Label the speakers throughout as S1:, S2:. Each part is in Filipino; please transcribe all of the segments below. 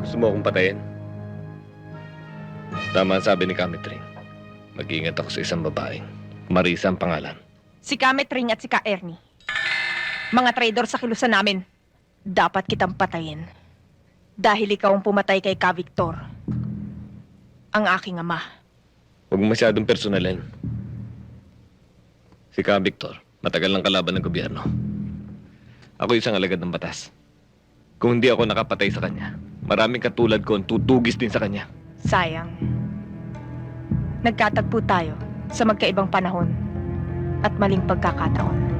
S1: Gusto mo akong patayin? Tama ang sabi ni Kamitring. Mag-iingat ako sa isang babaeng. Marisa ang pangalan.
S2: Si Kametring at si Ka Ernie. Mga traidor sa kilusan namin. Dapat kitang patayin. Dahil ikaw ang pumatay kay Ka Victor. Ang aking ama.
S1: Huwag mo masyadong personalin. Si Ka Victor, matagal ng kalaban ng gobyerno. Ako isang alagad ng batas. Kung hindi ako nakapatay sa kanya, maraming katulad ko ang tutugis din sa kanya.
S2: Sayang. Nagkatagpo tayo sa magkaibang panahon at maling pagkakataon.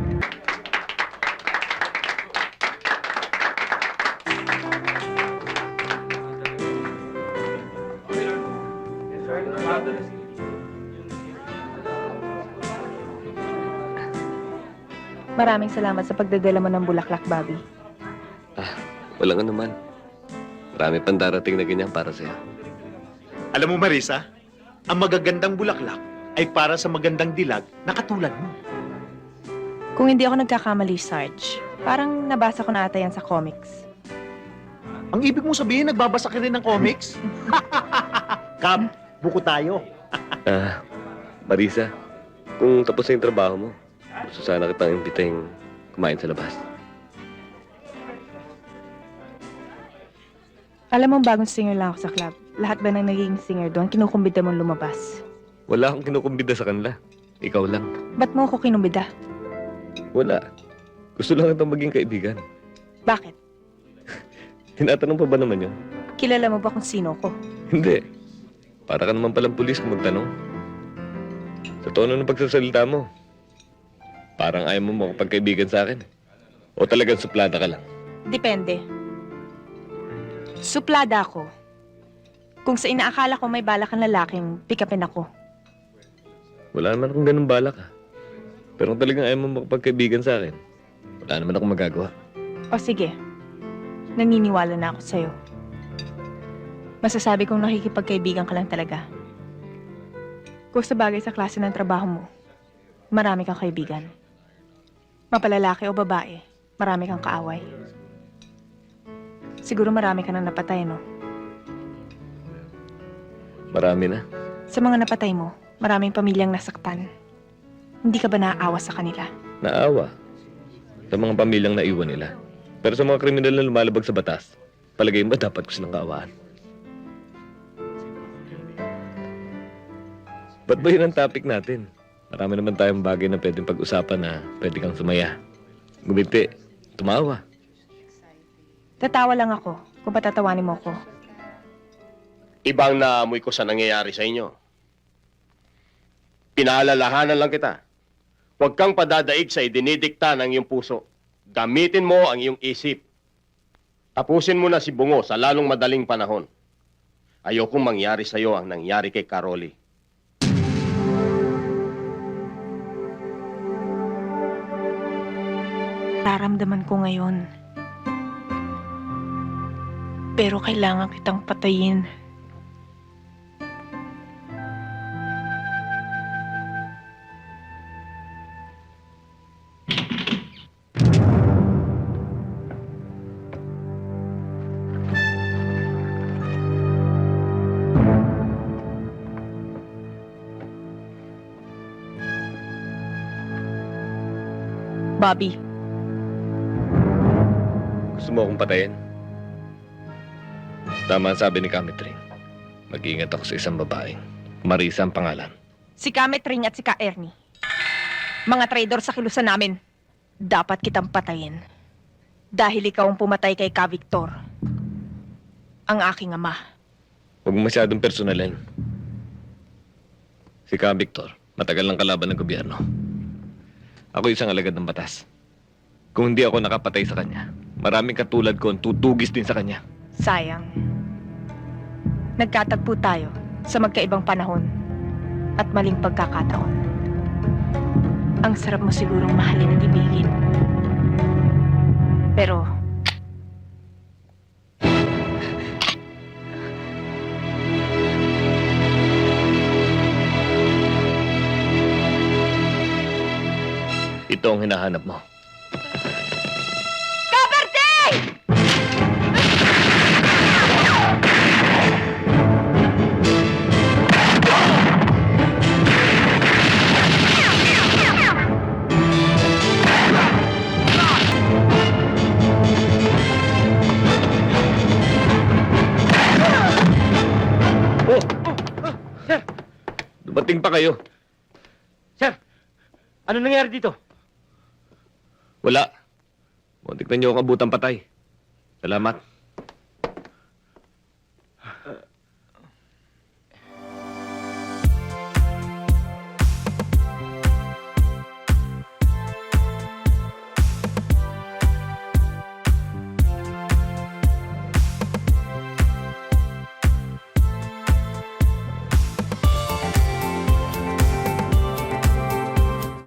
S2: Maraming salamat sa pagdadala mo ng bulaklak, Bobby.
S1: Walang anuman. Marami pang darating na ganyan para sa'yo.
S3: Alam mo, Marisa, ang magagandang bulaklak ay para sa magandang dilag na katulad mo.
S2: Kung hindi ako nagkakamali, Sarge, parang nabasa ko na ata yan sa comics.
S3: Ang ibig mong sabihin, nagbabasa ka rin ng comics? Kap, buko tayo.
S1: Marisa, kung tapos na yung trabaho mo, gusto sana kitang imbitahin kumain sa labas.
S2: Alam mo, bagong singer lang ako sa club. Lahat ba ng naging singer doon, kinukumbida mong lumabas?
S1: Wala akong kinukumbida sa kanila. Ikaw lang.
S2: Ba't mo ako kinumbida?
S1: Wala. Gusto lang kitang maging kaibigan.
S2: Bakit?
S1: Tinatanong pa ba naman yun?
S2: Kilala mo ba kung sino ko?
S1: Hindi. Para ka naman palang pulis kung magtanong. Sa tono ng pagsasalita mo, parang ayaw mo makapagkaibigan sa akin. O talagang suplada ka lang?
S2: Depende. Suplada ako. Kung sa inaakala ko may balak ang lalaking, pick upin ako.
S1: Wala naman akong ganun balak Pero kung talagang ayaw mo makapagkaibigan sa akin, wala naman akong magagawa.
S2: O sige, naniniwala na ako sa'yo. Masasabi kong nakikipagkaibigan ka lang talaga. Kung sa bagay sa klase ng trabaho mo, marami kang kaibigan. Mapalalaki o babae, marami kang kaaway. Siguro marami ka nang napatay, no?
S1: Marami na.
S2: Sa mga napatay mo, maraming pamilyang nasaktan. Hindi ka ba naaawa sa kanila?
S1: Naawa. Sa mga pamilyang naiwan nila. Pero sa mga kriminal na lumalabag sa batas, palagay mo dapat ko silang kaawaan. Ba't ba yun ang topic natin? Marami naman tayong bagay na pwedeng pag-usapan na pwede kang sumaya. Gumiti. Tumawa.
S2: Tatawa lang ako kung patatawanin mo ko.
S4: Ibang naamoy ko sa nangyayari sa inyo. Pinaalalahanan lang kita. Huwag kang padadaig sa idinidikta ng iyong puso. Gamitin mo ang iyong isip. Tapusin mo na si Bungo sa lalong madaling panahon. Ayokong mangyari sa iyo ang nangyari kay Caroli.
S2: Nararamdaman ko ngayon. Pero kailangan kitang patayin. Bobby,
S1: Gusto mo akong patayin? Tama ang sabi ni Kamitring. Mag-iingat ako sa isang babaeng. Marisa ang pangalan.
S2: si Kametring at si Ka Ernie. Mga traidor sa kilusan namin. Dapat kitang patayin. Dahil ikaw ang pumatay kay Ka Victor. Ang aking ama.
S1: Huwag mo masyadong personalin. Si Ka Victor, matagal ng kalaban ng gobyerno. Ako isang alagad ng batas. Kung hindi ako nakapatay sa kanya, maraming katulad ko ang tutugis din sa kanya.
S2: Sayang. Nagkatagpo tayo sa magkaibang panahon at maling pagkakataon. Ang sarap mo sigurong mahalin at ibigin. Pero,
S1: ito ang hinahanap mo.
S2: Kaperte!
S1: dumating pa kayo.
S5: Sir, ano nangyari dito?
S1: Wala. Muntik na niyo akong abutang patay. Salamat.